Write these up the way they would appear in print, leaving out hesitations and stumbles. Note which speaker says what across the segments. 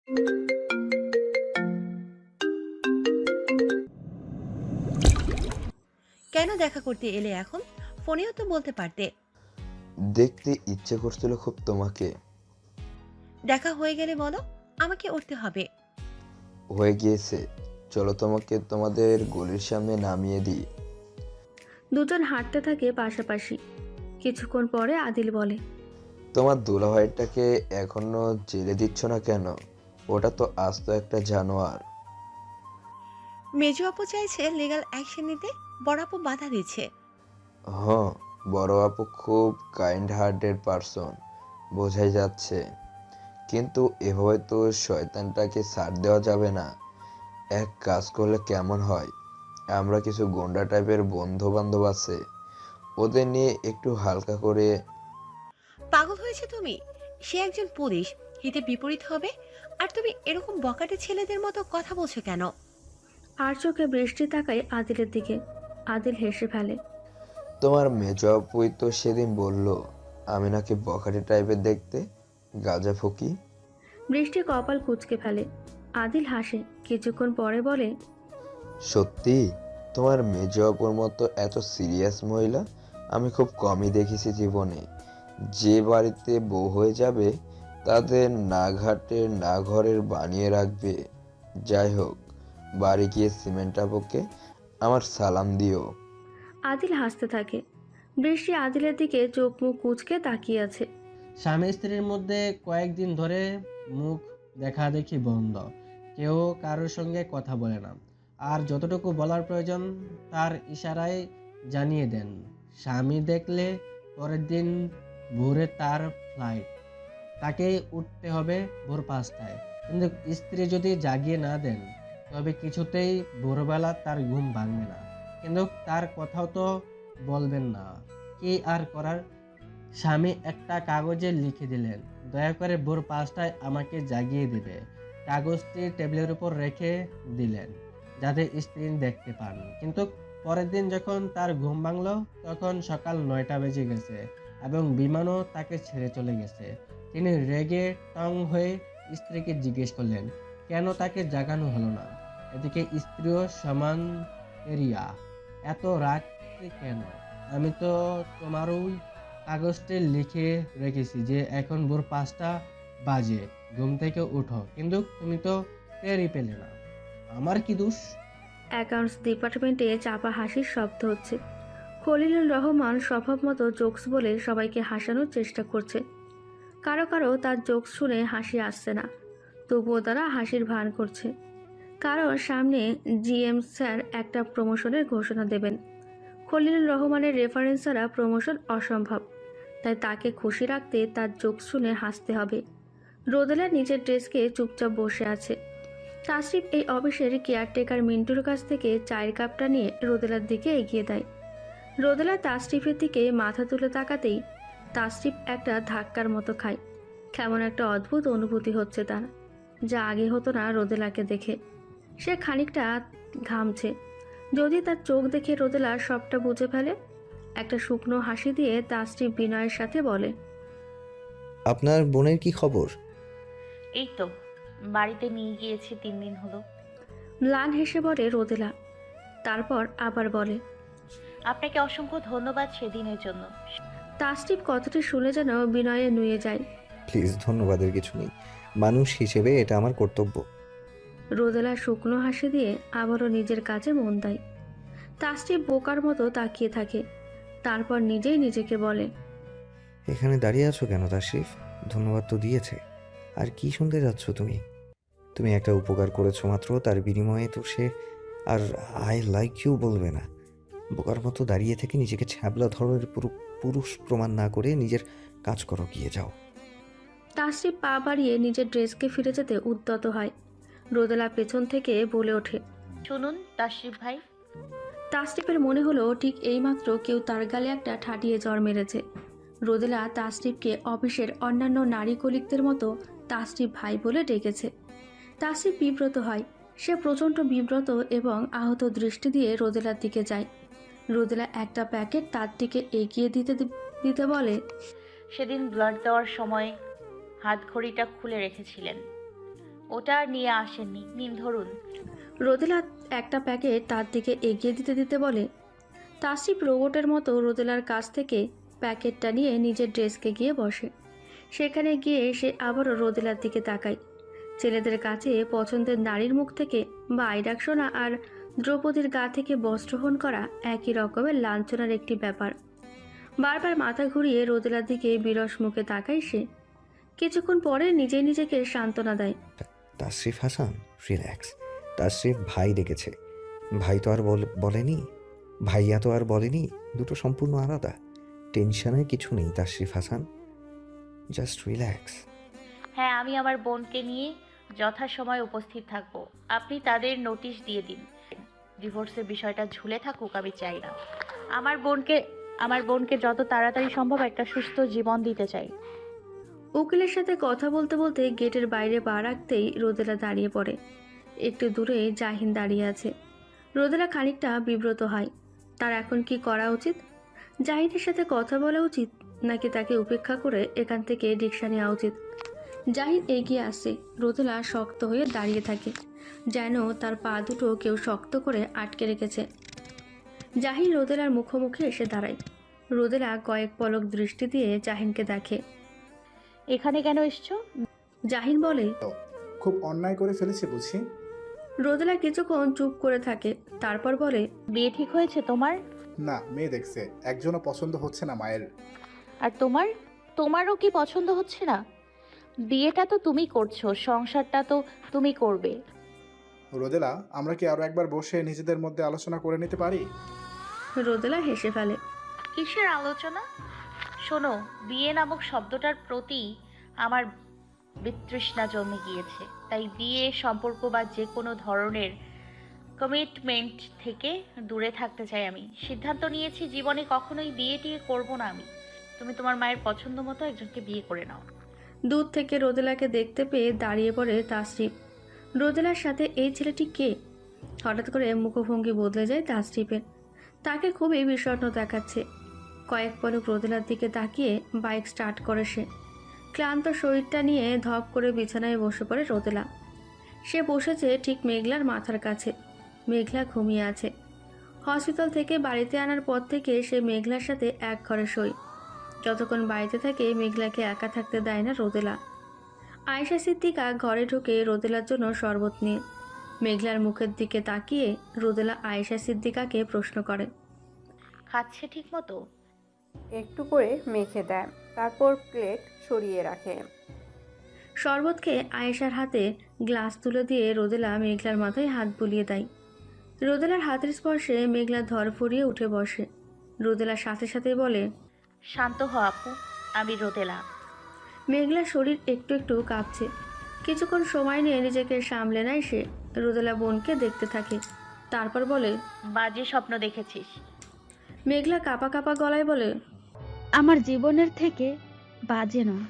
Speaker 1: কেন দেখা করতে এলে এখন? ফোনেও তো বলতে পারতে।
Speaker 2: দেখতে ইচ্ছে করছিল খুব তোমাকে।
Speaker 1: দেখা হয়ে গেলে বলো, আমাকে উঠতে হবে।
Speaker 2: হয়ে গিয়েছে, চলো তোমাকে তোমাদের গলির সামনে নামিয়ে দিই।
Speaker 3: দুজন হাঁটতে থাকে পাশাপাশি। কিছুক্ষণ পরে আদিল বলে,
Speaker 2: তোমার দুলাভাইটাকে এখনো জেলে দিচ্ছ না কেন? ওটা তো আস্ত একটা জানোয়ার।
Speaker 1: মেজো আপু চাইছে লিগ্যাল অ্যাকশন নিতে, বড় আপু বাধা দিচ্ছে।
Speaker 2: হ্যাঁ, বড় আপু খুব কাইন্ড হার্টেড পারসন, বোঝাই যাচ্ছে। কিন্তু এভাবে তো শয়তানটাকে ছাড় দেওয়া যাবে না। এক কাজ করলে কেমন হয়, আমরা কিছু গুন্ডা টাইপের বন্ধু বান্ধব আছে, ওদের নিয়ে একটু হালকা করে।
Speaker 1: পাগল হয়েছে তুমি? সে একজন পুলিশ, হিতে বিপরীত হবে। আর তুমি এরকম বকাটে ছেলেদের মতো কথা বলছো কেন?
Speaker 3: আর চোখে বৃষ্টি তাকায় আদিলের দিকে। আদিল হেসে ফেলে।
Speaker 2: তোমার মেজ আপুই তো সেদিন বলল আমি নাকি বখাটে টাইপের দেখতে, গাঁজা ফকি।
Speaker 3: বৃষ্টি কপাল কুঁচকে ফেলে। আদিল হাসে, কিছুক্ষণ পরে বলে,
Speaker 2: সত্যি? তোমার মেজ আপুর মতো এত সিরিয়াস মহিলা আমি খুব কমই দেখেছি জীবনে। যে বাড়িতে বউ হয়ে যাবে তাদের না ঘাটের না ঘরের বানিয়ে রাখবে। যাই হোক, বাড়ি গিয়ে সিমেন্ট আপুকে আমার সালাম দিও।
Speaker 3: আদিল হাসতে থাকে। বৃষ্টি আদিলের দিকে চোখ মুখ কুঁচকে তাকিয়ে আছে।
Speaker 4: স্বামী স্ত্রীর মধ্যে কয়েকদিন ধরে মুখ দেখাদেখি বন্ধ, কেউ কারোর সঙ্গে কথা বলে না। আর যতটুকু বলার প্রয়োজন তার ইশারায় জানিয়ে দেন। স্বামী দেখলে পরের দিন ভোরে তার ফ্লাইট, তাকে উঠতে হবে ভোর 5টায়। কিন্তু স্ত্রী যদি জাগিয়ে না দেন তবে কিছুতেই ভোরবেলা তার ঘুম ভাঙবে না। কিন্তু তার কথাও তো বলবেন না, কি আর করার। স্বামী একটা কাগজে লিখে দিলেন, দয়া করে ভোর 5টায় আমাকে জাগিয়ে দেবে। কাগজটি টেবিলের উপর রেখে দিলেন যাতে স্ত্রী দেখতে পান। কিন্তু পরের দিন যখন তার ঘুম ভাঙলো তখন সকাল 9টা বেজে গেছে এবং বিমানও তাকে ছেড়ে চলে গেছে। তিনি রেগে টং হয়ে স্ত্রীকে জিজ্ঞেস করলেন কেন তাকে জাগানো হলো না। এদিকে স্ত্রীও সমান এরিয়া, এত রাগ কেন? আমি তো তোমারই কাগজটি লিখে রেখেছি যে এখন ভোর 5টা বাজে, ঘুম থেকে উঠো, কিন্তু তুমি তো টেরই পেলে না। আমার কি দোষ?
Speaker 3: অ্যাকাউন্টস ডিপার্টমেন্টে চাপা হাসির শব্দ হচ্ছে। খলিলুর রহমান স্বভাব মতো জোকস বলে সবাইকে হাসানোর চেষ্টা করছে। কারো কারো তার জোকস শুনে হাসি আসছে না, তবুও তারা হাসির ভান করছে। কারণ সামনে জিএম স্যার একটা প্রমোশনের ঘোষণা দেবেন। খলিলুর রহমানের রেফারেন্স ছাড়া প্রমোশন অসম্ভব, তাই তাকে খুশি রাখতে তার জোকস শুনে হাসতে হবে। রোদেলা নিজের ডেস্কে চুপচাপ বসে আছে। তাসরিফ এই অফিসের কেয়ারটেকার মিন্টুর কাছ থেকে চায়ের কাপটা নিয়ে রোদেলার দিকে এগিয়ে দেয়। রোদেলা তাসরিফের দিকে মাথা তুলে তাকাতেই তাসরিফ একটা ধাক্কার মতো খায়। কেমন একটা অদ্ভুত অনুভূতি হচ্ছে তার, যা আগে হতো না রোদেলাকে দেখে। সে খানিকটা ঘামছে। যদি তার চোখ দেখে রোদেলা সবটা বুঝে ফেলে। একটা শুকনো হাসি দিয়ে তাসরিফ বিনয়ের সাথে বলে,
Speaker 5: আপনার বোনের কি খবর?
Speaker 6: এই তো, বাড়িতে নিয়ে গিয়েছি 3 দিন হলো।
Speaker 3: ম্লান হেসে বলে রোদেলা। তারপর আবার বলে,
Speaker 6: আপনাকে অসংখ্য ধন্যবাদ সেদিনের জন্য।
Speaker 3: তাসরিফ কথাটি শুনে যেন বিনয়ে নুয়ে যায়।
Speaker 5: প্লিজ, ধন্যবাদের কিছু নেই। মানুষ হিসেবে এটা আমার কর্তব্য।
Speaker 3: রোদেলা শুকনো হাসি দিয়ে আবারও নিজের কাজে মন দেয়। তাসরিফ বোকার মতো তাকিয়ে থাকে। তারপর নিজেই নিজেকে বলে,
Speaker 5: এখানে দাঁড়িয়ে আছো কেন তাশরিফ? ধন্যবাদ তো দিয়েছে, আর কি শুনতে যাচ্ছ তুমি? তুমি একটা উপকার করেছো মাত্র, তার বিনিময়ে তো সে আর আই লাইক ইউ বলবে না। বোকার মতো দাঁড়িয়ে থেকে নিজেকে ছ্যাবলা ধরনের পুরুষ প্রমাণ না করে নিজের কাজ করো, গিয়ে যাও।
Speaker 3: তাসরিফ পা বাড়িয়ে নিজের ড্রেসকে ফিরে যেতে উদ্যত হয়। রোদেলা পেছন থেকে বলে ওঠে।
Speaker 6: শুনুন তাশরিফ ভাই,
Speaker 3: তাসরিফের মনে হলো ঠিক এইমাত্র কেউ তার গালে একটা ঠাটিয়ে জ্বর মেরেছে। রোদেলা তাসরিফকে অফিসের অন্যান্য নারী কলিগদের মতো তাসরিফ ভাই বলে ডেকেছে। তাসরিফ বিব্রত হয়। সে প্রচণ্ড বিব্রত এবং আহত দৃষ্টি দিয়ে রোদেলার দিকে যায়। রোদেলা একটা প্যাকেট তার দিকে এগিয়ে দিতে দিতে বলে,
Speaker 6: সেদিন ব্লাড দেওয়ার সময় হাত ঘড়িটা খুলে রেখেছিলেন। ওটা আর নিয়ে আসেননি, নিন ধরুন।
Speaker 3: রোদেলা একটা প্যাকেট তার দিকে এগিয়ে দিতে দিতে বলে। তাসরিফ রোবটের মতো রোদেলার কাছ থেকে প্যাকেটটা নিয়ে নিজের ড্রেসকে গিয়ে বসে। সেখানে গিয়ে সে আবারও রোদেলার দিকে তাকায়। ছেলেদের কাছে পছন্দের নারীর মুখ থেকে বাই ডাক শোনা আর দ্রৌপদীর গা থেকে বস্ত্রহরণ করা একই রকমের লাঞ্ছনার একটি ব্যাপার। বারবার মাথা ঘুরিয়ে রোদেলার দিকে বিরস মুখে তাকায় সে। কিছুক্ষণ পরে নিজেই নিজেকে সান্ত্বনা দেয়।
Speaker 5: তাশরিফ হাসান, রিল্যাক্স। তাশরিফ ভাই ডেকেছে। ভাই তো আর বলেনি, ভাইয়া তো আর বলেনি, দুটো সম্পূর্ণ আলাদা। টেনশনের কিছু নেই তাশরিফ হাসান, জাস্ট রিল্যাক্স।
Speaker 6: হ্যাঁ, আমি আমার বোনকে নিয়ে যথাসময়ে উপস্থিত থাকব। আপনি তাদের নোটিশ দিয়ে দিন। ডিভোর্সের বিষয়টা ঝুলে থাকুক আমি চাই না। আমার বোনকে যত তাড়াতাড়ি সম্ভব একটা সুস্থ জীবন দিতে চাই।
Speaker 3: উকিলের সাথে কথা বলতে বলতে গেটের বাইরে পা রাখতেই রোদেলা দাঁড়িয়ে পড়ে। একটু দূরে জাহিন দাঁড়িয়ে আছে। রোদেলা খানিকটা বিব্রত হয়। তার এখন কি করা উচিত? জাহিনের সাথে কথা বলা উচিত, নাকি তাকে উপেক্ষা করে এখান থেকে রিক্সা নেওয়া উচিত? জাহিন এগিয়ে আসে। রোদেলা শক্ত হয়ে দাঁড়িয়ে থাকে, যেন তার পা দুটো কেউ শক্ত করে আটকে রেখেছে। জাহিন রোদেলার মুখোমুখি এসে দাঁড়ায়। রোদেলা কয়েক পলক দৃষ্টি দিয়ে জাহিনকে দেখে।
Speaker 6: এখানে কেন এসছো?
Speaker 3: জাহিন বলে।
Speaker 7: খুব অন্যায় করে ফেলেছে বুঝি।
Speaker 3: রোদেলা কিছুক্ষণ চুপ করে থাকে, তারপর বলে,
Speaker 6: বিয়ে ঠিক হয়েছে তোমার?
Speaker 7: না, মেয়ে দেখছে, একজনও পছন্দ হচ্ছে না মায়ের।
Speaker 6: আর তোমারও কি পছন্দ হচ্ছে না? বিয়েটা তো তুমি করছো, সংসারটা তো তুমি করবে।
Speaker 7: রোদেলা, আমরা কি আরো একবার বসে নিজেদের মধ্যে আলোচনা করে নিতে পারি?
Speaker 3: রোদেলা হেসে ফেলে।
Speaker 6: কিসের আলোচনা? শোনো, বিয়ে নামক শব্দটার প্রতি আমার বিতৃষ্ণা জন্মে গিয়েছে। তাই বিয়ে সম্পর্ক বা যে কোনো ধরনের কমিটমেন্ট থেকে দূরে থাকতে চাই আমি। সিদ্ধান্ত নিয়েছি জীবনে কখনোই বিয়ে টিয়ে করবো না আমি। তুমি তোমার মায়ের পছন্দ মতো একজনকে বিয়ে করে নাও।
Speaker 3: দূর থেকে রোদেলাকে দেখতে পেয়ে দাঁড়িয়ে পড়ে তাসরিফ। রোদেলার সাথে এই ছেলেটি কে? হঠাৎ করে মুখভঙ্গি বদলে যায় তাসরিফের। তাকে খুবই বিষণ্ণ দেখাচ্ছে। কয়েক পলক রোদেলার দিকে তাকিয়ে বাইক স্টার্ট করে সে। ক্লান্ত শরীরটা নিয়ে ধপ করে বিছানায় বসে পড়ে রোদেলা। সে বসেছে ঠিক মেঘলার মাথার কাছে। মেঘলা ঘুমিয়ে আছে। হসপিটাল থেকে বাড়িতে আনার পর থেকে সে মেঘলার সাথে এক ঘরে শোয়। যতক্ষণ বাড়িতে থাকে মেঘলাকে একা থাকতে দেয় না রোদেলা। আয়েশা সিদ্দিকা ঘরে ঢুকে রোদেলার জন্য শরবত নিয়ে। মেঘলার মুখের দিকে তাকিয়ে রোদেলা আয়েশা সিদ্দিকাকে প্রশ্ন করে,
Speaker 6: খাচ্ছে ঠিক মতো?
Speaker 8: একটু করে মেখে দেয়, তারপর প্লেট সরিয়ে রাখে।
Speaker 3: শরবত খেয়ে আয়েশার হাতে গ্লাস তুলে দিয়ে রোদেলা মেঘলার মাথায় হাত বুলিয়ে দেয়। রোদেলার হাতের স্পর্শে মেঘলা ধরফরিয়ে উঠে বসে। রোদেলা সাথে সাথে বলে,
Speaker 6: শান্ত হ আপু, আমি রোদেলা।
Speaker 3: মেঘলার শরীর একটু একটু কাঁপছে। কিছুক্ষণ সময় নিয়ে নিজেকে সামলে নেয় সে। রোদেলা বোনকে দেখতে থাকে, তারপর বলে,
Speaker 6: বাজে স্বপ্ন দেখেছিস?
Speaker 3: মেঘলা কাঁপা কাঁপা গলায় বলে,
Speaker 9: আমার জীবনের থেকে বাজে নয়।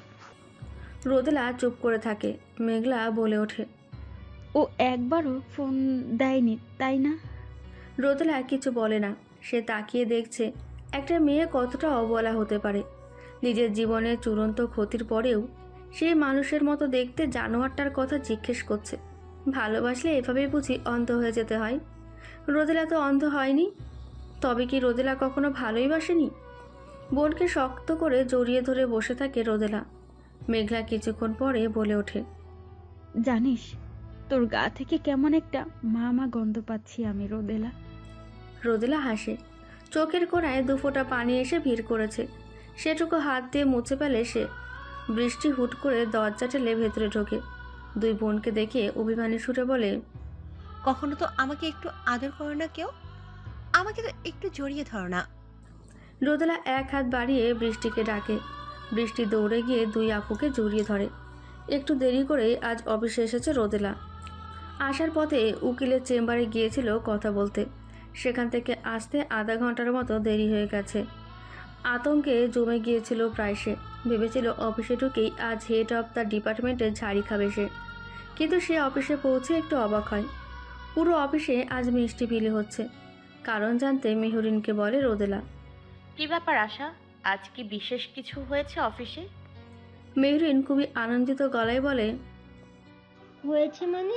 Speaker 3: রোদেলা চুপ করে থাকে। মেঘলা বলে ওঠে,
Speaker 9: ও একবারও ফোন দেয়নি তাই না?
Speaker 3: রোদেলা কিছু বলে না। সে তাকিয়ে দেখছে একটা মেয়ে কতটা অবলা হতে পারে। নিজের জীবনের চূড়ান্ত ক্ষতির পরেও সেই মানুষের মতো দেখতে জানোয়ারটার কথা জিজ্ঞেস করছে। ভালোবাসলে এভাবেই বুঝি অন্ধ হয়ে যেতে হয়? রোদেলা তো অন্ধ হয়নি। তবে কি রোদেলা কখনো ভালোই বাসেনি? বোনকে শক্ত করে জড়িয়ে ধরে বসে থাকে রোদেলা। মেঘলা কিছুক্ষণ পরে বলে ওঠে,
Speaker 9: জানিস, তোর গা থেকে কেমন একটা মা মা গন্ধ পাচ্ছি আমি রোদেলা।
Speaker 3: রোদেলা হাসে। চোখের কোণায় দুফোঁটা পানি এসে ভিড় করেছে। সেটুকু হাত দিয়ে মুছে ফেলে সে। বৃষ্টি হুট করে দরজা ঠেলে ভেতরে ঢোকে। দুই বোনকে দেখে অভিমানী সুরে বলে,
Speaker 1: কখনো তো আমাকে একটু আদর করো না কেউ? আমাকে তো একটু জড়িয়ে ধরো না।
Speaker 3: রোদেলা এক হাত বাড়িয়ে বৃষ্টিকে ডাকে। বৃষ্টি দৌড়ে গিয়ে দুই আপুকে জড়িয়ে ধরে। একটু দেরি করে আজ অফিসে এসেছে রোদেলা। আসার পথে উকিলের চেম্বারে গিয়েছিল কথা বলতে। সেখান থেকে আসতে আধা ঘন্টার মতো দেরি হয়ে গেছে। আতঙ্কে জমে গিয়েছিল প্রায় সে। ভেবেছিল অফিসে ঢুকেই আজ হেড অফ দ্য ডিপার্টমেন্টে ঝাড়ি খাবে সে। কিন্তু সে অফিসে পৌঁছে একটু অবাক হয়। পুরো অফিসে আজ মিষ্টি বিলি হচ্ছে। কারণ জানতে মেহরিনকে বলে রোদেলা।
Speaker 6: কি ব্যাপার আশা, আজ কি বিশেষ কিছু হয়েছে অফিসে?
Speaker 3: মেহরিন খুবই আনন্দিত গলায় বলে,
Speaker 10: হয়েছে মানে?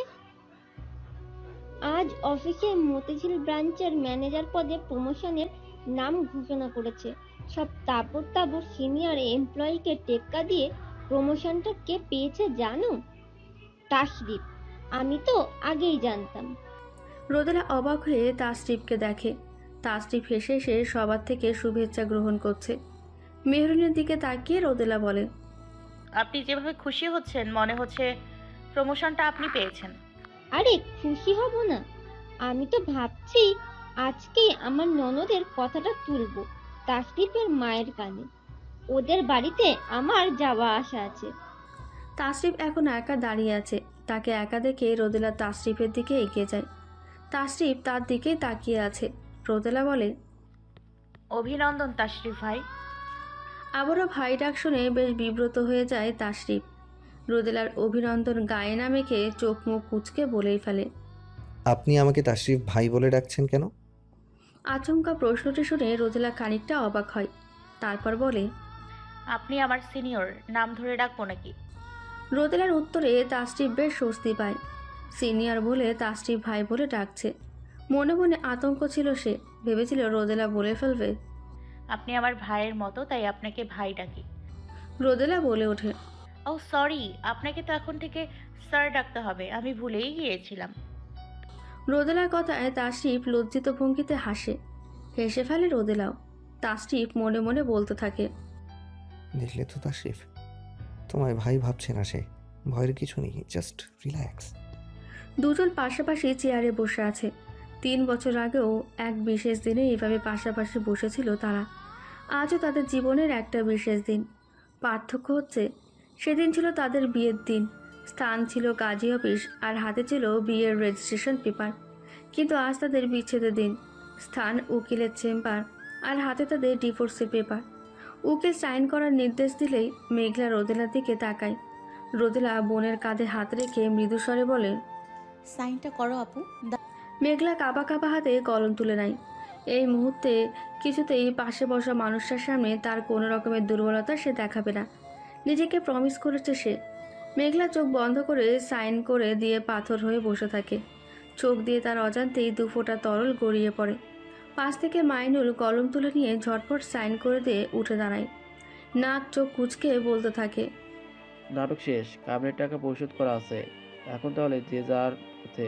Speaker 10: আজ অফিসে মতিঝিল ব্রাঞ্চের ম্যানেজার পদে প্রমোশনের নাম ঘোষণা করেছে। সব তাবড় তাবড় সিনিয়র এমপ্লয়িকে টেক্কা দিয়ে প্রমোশনটা কে পেয়েছে জানো? তাসরিফ। আমি তো আগেই জানতাম।
Speaker 3: রোদেলা অবাক হয়ে তাসরিফকে দেখে। তাসরিফ হেসে হেসে সবার থেকে শুভেচ্ছা গ্রহণ করছে। মেহরিনের দিকে তাকিয়ে রোদেলা বলে,
Speaker 6: আপনি যেভাবে খুশি হচ্ছেন মনে হচ্ছে প্রমোশনটা আপনি পেয়েছেন।
Speaker 10: আরে খুশি হব না? আমি তো ভাবছি আজকেই আমার ননদের কথাটা তুলবো তাসরিফের মায়ের কানে। ওদের বাড়িতে আমার যাওয়া আসা আছে।
Speaker 3: তাসরিফ এখন একা দাঁড়িয়ে আছে। তাকে একা দেখে রোদেলা তাসরিফের দিকে এগিয়ে যায়। তাসরিফ তার দিকেই তাকিয়ে আছে। রোদেলা বলে,
Speaker 6: অভিনন্দন তাশরিফ ভাই।
Speaker 3: আবারও ভাই ডাক শুনে বেশ বিব্রত হয়ে যায় তাসরিফ। রোদেলার অভিনন্দন গায়ে না মেখে চোখ মুখ কুঁচকে বলেই ফেলে।
Speaker 5: আপনি আমাকে তাশরিফ ভাই বলে ডাকছেন কেন?
Speaker 3: আচমকা প্রশ্নটি শুনে রোদেলা খানিকটা অবাক হয়। তারপর বলে,
Speaker 6: আপনি আমার সিনিয়র, নাম ধরে ডাকবো নাকি?
Speaker 3: রোদেলার উত্তরে তাসরিফ বেশ স্বস্তি পায়। সিনিয়র বলে তাসরিফ ভাই বলে ডাকছে। মনে মনে আতঙ্ক ছিল সে। ভেবেছিল রোদেলা বলে ফেলবে।
Speaker 6: আপনি আমার ভাইয়ের মতো, তাই আপনাকে ভাই ডাকি।
Speaker 3: রোদেলা বলে ওঠে,
Speaker 6: ও সরি, আপনাকে তো এখন থেকে স্যার ডাকতে হবে, আমি ভুলেই গিয়েছিলাম।
Speaker 3: রোদেলার কথায় তাসরিফ লজ্জিত ভঙ্গিতে হাসে। হেসে ফেলে রোদেলাও। তাসরিফ মনে মনে বলতে থাকে,
Speaker 5: দেখলে তো তাশরিফ, তোমায় ভাই ভাবছে না সে। ভয়ের কিছু নেই, জাস্ট রিল্যাক্স।
Speaker 3: দুজন পাশাপাশি চেয়ারে বসে আছে। 3 বছর আগেও এক বিশেষ দিনে এভাবে পাশাপাশি বসেছিল তারা। আজও তাদের জীবনের একটা বিশেষ দিন। পার্থক্য হচ্ছে, সেদিন ছিল তাদের বিয়ের দিন। স্থান ছিল কাজী অফিস, আর হাতে ছিল বিয়ের রেজিস্ট্রেশন পেপার। কিন্তু আজ তাদের বিচ্ছেদের দিন। স্থান উকিলের চেম্বার, আর হাতে তাদের ডিভোর্সের পেপার। উকিল সাইন করার নির্দেশ দিলেই মেঘলা রোদেলার দিকে তাকায়। রোদেলা বোনের কাঁধে হাত রেখে মৃদুস্বরে বলে,
Speaker 11: সাইনটা করো আপু।
Speaker 3: মেঘলা কাবা কাবা হাতে কলম তুলে নেয়। এই মুহূর্তে কিছুতেই পাশে বসা মানুষটার সামনে তার কোনো রকমের দুর্বলতা সে দেখাবে না। নিজেকে প্রমিস করেছে সে। মেঘলা চোখ বন্ধ করে সাইন করে দিয়ে পাথর হয়ে বসে থাকে। চোখ দিয়ে তার অজান্তেই 2 ফোঁটা তরল গড়িয়ে পড়ে। পাশ থেকে মাইনুল কলম তুলে নিয়ে ঝটপট সাইন করে দিয়ে উঠে দাঁড়ায়। নাক চোখ কুচকে বলতে থাকে,
Speaker 12: নাটক শেষ, কামের টাকা পরিশোধ করা আছে, এখন তাহলে যে যার পথে।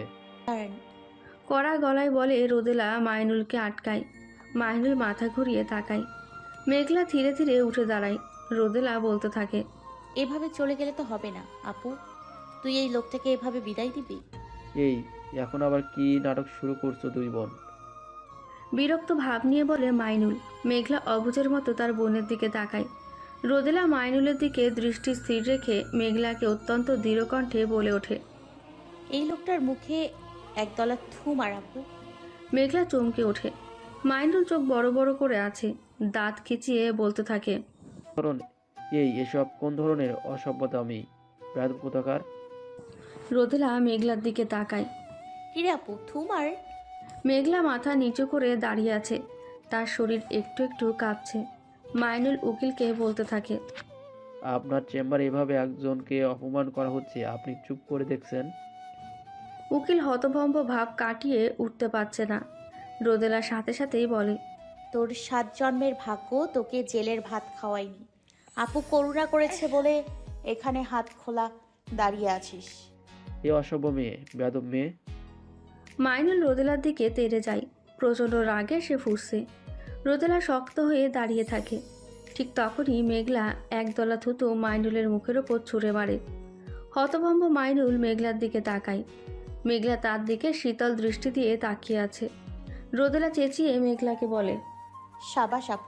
Speaker 3: কড়া গলায় বলে রোদেলা মাইনুলকে আটকায়। মাইনুল মাথা ঘুরিয়ে তাকায়। মেঘলা ধীরে ধীরে উঠে দাঁড়ায়। রোদেলা বলতে থাকে,
Speaker 11: এভাবে চলে গেলে তো হবে না আপু। তুই এই লোকটাকে এভাবে বিদায় দিবি?
Speaker 12: এই এখন আবার কি নাটক শুরু করছো দুই বোন?
Speaker 3: বিরক্ত ভাব নিয়ে বলে মাইনুল। মেঘলা অবুঝের মতো তার বোনের দিকে তাকায়। রোদেলা মাইনুলের দিকে দৃষ্টি স্থির রেখে মেঘলাকে অত্যন্ত দৃঢ় কণ্ঠে বলে ওঠে,
Speaker 11: এই লোকটার মুখে একদলা থু মার আপু।
Speaker 3: মেঘলা চমকে ওঠে। মাইনুল চোখ বড় বড় করে আছে। দাঁত খিচিয়ে বলতে থাকে,
Speaker 12: ধরুন এসব কোন ধরনের অসভ্যতা আমি বেয়াদব কোথাকার।
Speaker 3: রোদেলা মেঘলার দিকে তাকায়।
Speaker 11: কিরে আপু, থু মার।
Speaker 3: মেঘলা মাথা নিচু করে দাঁড়িয়ে আছে। তার শরীর একটু একটু কাঁপছে। মাইনুল উকিলকে বলতে থাকে,
Speaker 12: আপনার চেম্বারে এভাবে একজনকে অপমান করা হচ্ছে, আপনি চুপ করে দেখছেন?
Speaker 3: উকিল হতভম্ব ভাব কাটিয়ে উঠতে পারছে না। রোদেলা সাথে সাথেই বলে,
Speaker 11: তোর 7 জন্মের ভাগ্য তোকে জেলের ভাত খাওয়াইনি। আপু করুণা করেছে বলে এখানে হাত খোলা দাঁড়িয়ে আছিস।
Speaker 12: এ অসভ্য মেয়ে, বেয়াদব মেয়ে।
Speaker 3: মাইনুল রোদেলার দিকে তেড়ে যায়। প্রচণ্ড রাগে সে ফুঁসছে। রোদেলা শক্ত হয়ে দাঁড়িয়ে থাকে। ঠিক তখনই মেঘলা একদলা থুতু মাইনুলের মুখের ওপর ছুঁড়ে মারে। হতভম্ব মাইনুল মেঘলার দিকে তাকায়। মেঘলা তার দিকে শীতল দৃষ্টি দিয়ে তাকিয়ে আছে। রোদেলা চেঁচিয়ে মেঘলাকে বলে,
Speaker 11: সাবাস আপু।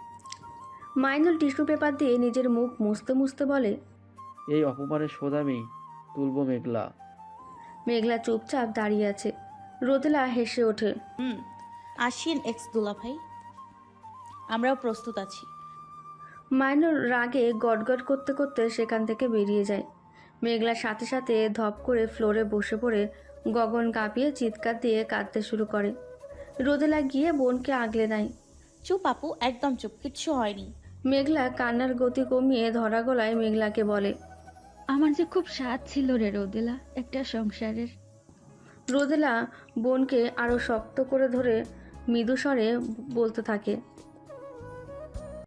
Speaker 3: মাইনুল টিস্যু পেপার দিয়ে নিজের মুখ মুছতে মুছতে বলে,
Speaker 12: এই অপমানের শোধ আমি তুলব মেঘলা।
Speaker 3: মেঘলা চুপচাপ দাঁড়িয়ে আছে। রোদেলা হেসে ওঠে,
Speaker 11: আসিন এক্স দুলা ভাই, আমরাও প্রস্তুত আছি।
Speaker 3: মাইনুল রাগে গটগট করতে করতে সেখান থেকে বেরিয়ে যায়। মেঘলার সাথে সাথে ধপ করে ফ্লোরে বসে পড়ে গগন কাঁপিয়ে চিৎকার দিয়ে কাঁদতে শুরু করে। রোদেলা গিয়ে বোনকে আগলে নেয়।
Speaker 11: চুপ আপু, একদম চুপ, কিচ্ছু হয়নি।
Speaker 3: মেঘলা কান্নার গতি কমিয়ে ধরা গলায় মেঘলাকে বলে,
Speaker 9: আমার যে খুব স্বাদ ছিল রে রোদেলা একটা সংসারের।
Speaker 3: রোদেলা বোনকে আরো শক্ত করে ধরে মৃদু স্বরে বলতে থাকে।